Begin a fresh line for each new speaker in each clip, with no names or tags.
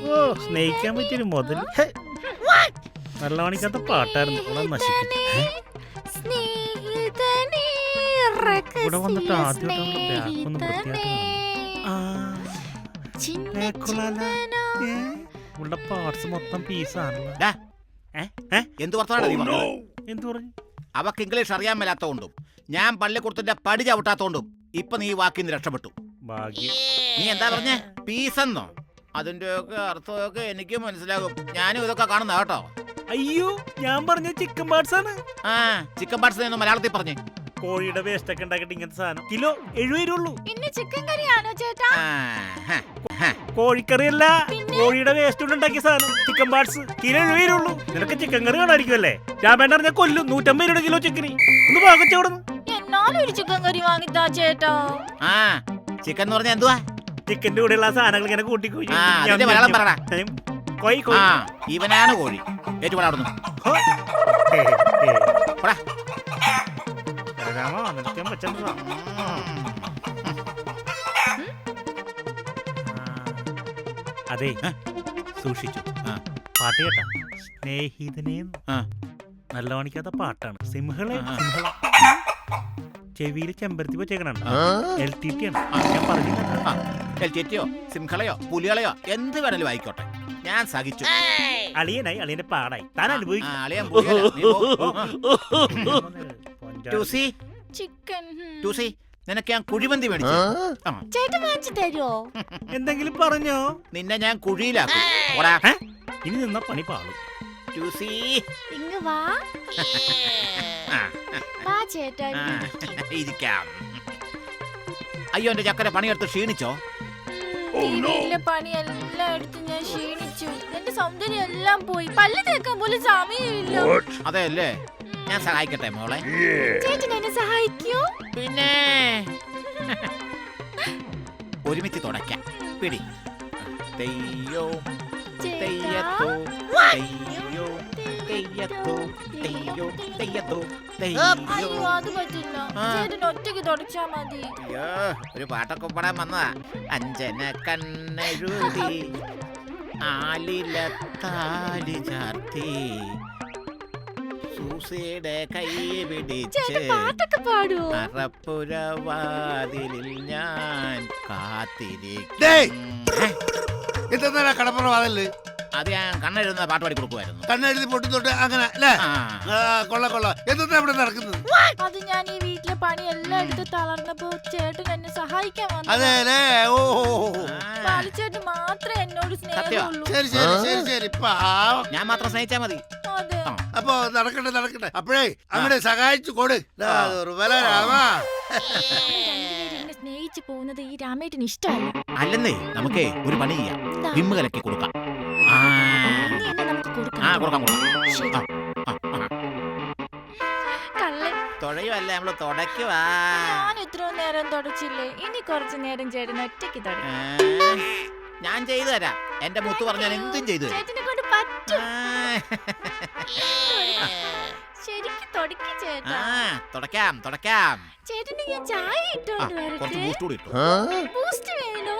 ഓ സ്നേഹിക്കാൻ പറ്റിയൊരു മുതൽ നല്ല മണിക്കാത്ത പാട്ടായിരുന്നു. ഇവിടെ വന്നിട്ട് ആദ്യമായിട്ടൊന്ന് ഇവിടെ പാർട്സ് മൊത്തം പീസാണല്ലോ.
എന്ത് പറഞ്ഞു?
എന്ത് പറഞ്ഞു?
അവക്ക് ഇംഗ്ലീഷ് അറിയാൻ മേലാത്തോണ്ടും ഞാൻ പള്ളിക്കൂടത്തിന്റെ പടി ചവിട്ടാത്തോണ്ടും ഇപ്പൊ നീ വാക്കിന്ന് രക്ഷപ്പെട്ടു. നീ എന്താ പറഞ്ഞേ? പീസെന്നോ? അതിന്റെയൊക്കെ അർത്ഥമൊക്കെ എനിക്ക് മനസ്സിലാകും. ഞാനും ഇതൊക്കെ കാണുന്ന കേട്ടോ.
അയ്യോ ഞാൻ പറഞ്ഞ ചിക്കൻ പാർട്സ് ആണ്.
ചിക്കൻ പാർട്സ് എന്ന് മലയാളത്തിൽ പറഞ്ഞേ.
കോഴിയുടെ വേസ്റ്റ് ഒക്കെ ഉണ്ടാക്കിട്ട് ഇങ്ങനത്തെ സാധനം കിലോ 70 രൂപ.
ചിക്കൻ കറിയാണോ ചേട്ടാ?
കോഴിക്കറിയല്ല, കോഴിയുടെ വേസ്റ്റ് കൊണ്ട് ഉണ്ടാക്കിയ സാധനം ചിക്കൻ പാർട്സ് കിലോ 70 രൂപ. നിനക്ക് ചിക്കൻ കറി കാണായിരിക്കുമല്ലേ? രാമേണ്ട പറഞ്ഞ കൊല്ലും 150 രൂപ കിലോ ചിക്കന്. ഒന്ന് പാകച്ചോടുന്നു.
എന്നാലും ഒരു ചിക്കൻ കറി വാങ്ങിത്താ ചേട്ടാ.
ചിക്കൻ എന്ന് പറഞ്ഞാ എന്തുവാ?
ചിക്കന്റെ കൂടെയുള്ള സാധനങ്ങൾ ഇങ്ങനെ കൂട്ടി
മലയാളം പറടാ. ഇവനാണ് കോഴി. ഏറ്റുപാടുന്നു.
അതെ സൂക്ഷിച്ചു. പാട്ട് കേട്ടാ? സ്നേഹിതനെ നല്ല മണിക്കാത്ത പാട്ടാണ്. സിംഹളെ ചെവിയിൽ ചെമ്പരത്തി വെച്ചേക്കണ LTT ആണ്. ഞാൻ
പറഞ്ഞോ സിംഹളയോ പുലികളെയോ എന്ത് വേണേലും ആയിക്കോട്ടെ, ഞാൻ സഹിച്ചു.
അളിയനായി അളിയന്റെ പാടായി താൻ അനുഭവിക്കും.
നിനക്ക് ഞാൻ കുഴിമന്തി മേടിച്ചു.
എന്തെങ്കിലും പറഞ്ഞോ?
നിന്നെ ഞാൻ കുഴിയിലാക്കും.
ഇനി നിന്ന പണി പാടും.
അയ്യോ എന്റെ ചക്കര പണിയെടുത്ത് ക്ഷീണിച്ചോ?
പണിയെല്ലാം എടുത്ത് ഞാൻ ക്ഷീണിച്ചു. എന്റെ സൗന്ദര്യം എല്ലാം പോയി. പല്ല് തേക്കാൻ പോലും സമയമില്ല.
അതെയല്ലേ, ഞാൻ സഹായിക്കട്ടെ മോളെ?
ചേട്ടൻ എന്നെ സഹായിക്കൂ.
പിന്നെ ഒരുമിച്ച് തുടയ്ക്കാം. പിടി. തെയ്യോ തെയ്യത്തോ തെയ്യോ തെയ്യത്തോ തെയ്യോ തെയ്യത്തോ തെയ്യോ.
അത് പറ്റില്ല, ചേട്ടൻ ഒറ്റയ്ക്ക് തുടച്ചാ മതി.
ഒരു പാട്ടൊക്കെ പാടാൻ വന്നതാ. അഞ്ജന കണ്ണെഴുതി ആലിലത്താലി ചാർത്തി സൂസയുടെ കൈ പിടിച്ച് അറപ്പുരവാതിലിൽ ഞാൻ കാത്തിരിക്കും.
കടപ്പുറവാതല്ലേ?
അത് ഞാൻ കണ്ണെഴുതുന്ന പാട്ട് പാടി കൊടുക്കുമായിരുന്നു.
കണ്ണെഴുതി പൊട്ടിത്തൊട്ട് അങ്ങനെ അല്ലേ? കൊള്ള എന്താ ഇവിടെ നടക്കുന്നത്?
അത് ഞാൻ ഈ വീട്ടിലെ പണിയെല്ലാം എടുത്ത് തളർന്നപ്പോ ചേട്ടൻ എന്നെ സഹായിക്കാൻ വന്നു.
അതെല്ലേ? ഓ
ചേട്ടൻ മാത്രമേ എന്നോട് സ്നേഹമുള്ളൂ.
ശരി ശരി ശരി ശരി.
ഞാൻ മാത്രം സ്നേഹിച്ചാ മതി.
അപ്പൊ നടക്കട്ടെ. അപ്പോഴേ അങ്ങനെ സഹായിച്ചു കൊടു.
സ്നേഹിച്ചു പോകുന്നത് ഈ രാമേട്ടന് ഇഷ്ടമല്ല.
അല്ലെന്നേ, നമുക്കേ ഒരു പണി ചെയ്യാം. വിമ്മ് കലക്കി കൊടുക്കാം. തുഴയുമല്ലേ, നമ്മള് തുടയ്ക്കുവാ.
ഞാൻ ഇത്രയും നേരം തുടച്ചില്ലേ? ഇനി കുറച്ചു നേരം ചേട്ടൻ ഒറ്റയ്ക്ക് തുടങ്ങി.
ഞാൻ ചെയ്തു തരാം. എന്റെ മുത്ത് പറഞ്ഞാൽ എന്തും ചെയ്തു
ചേട്ടനെ കൊണ്ട് പറ്റും. ശരിക്കും തുടക്കി ചേട്ടാ.
തുടയ്ക്കാം.
ചേട്ടന് ഞാൻ ചായ ഇട്ടോണ്ട് വരട്ടെ? ബൂസ്റ്റ് വേണോ?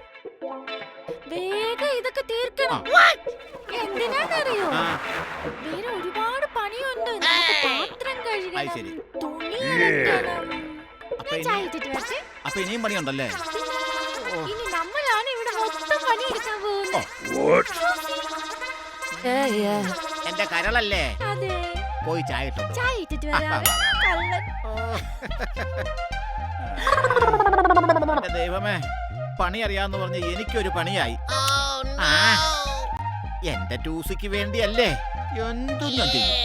വേഗം ഇതൊക്കെ തീർക്കണം. എന്തിനാന്നറിയോ? വേറെ ഒരുപാട് പണിയുണ്ട്. പാത്രം കഴുകണം, തുണി അലക്കണം. ചായ ഇട്ടിട്ട് വരട്ടെ?
അപ്പൊ ഇനിയും പണിയുണ്ടല്ലേ?
ഇനി നമ്മളാണ് ഇവിടെ മൊത്തം പണി എടുക്കാൻ പോകുന്നത്.
എന്റെ കരളല്ലേ?
അതെ.
പോയി ചായ
ഇട്ടിട്ട് വരാം.
ദൈവമേ, പണി അറിയാന്ന് പറഞ്ഞ് എനിക്കൊരു പണിയായി. എന്റെ ടൂസിക്ക് വേണ്ടിയല്ലേ എന്തും ഞാൻ ചെയ്യും.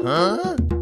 ആ?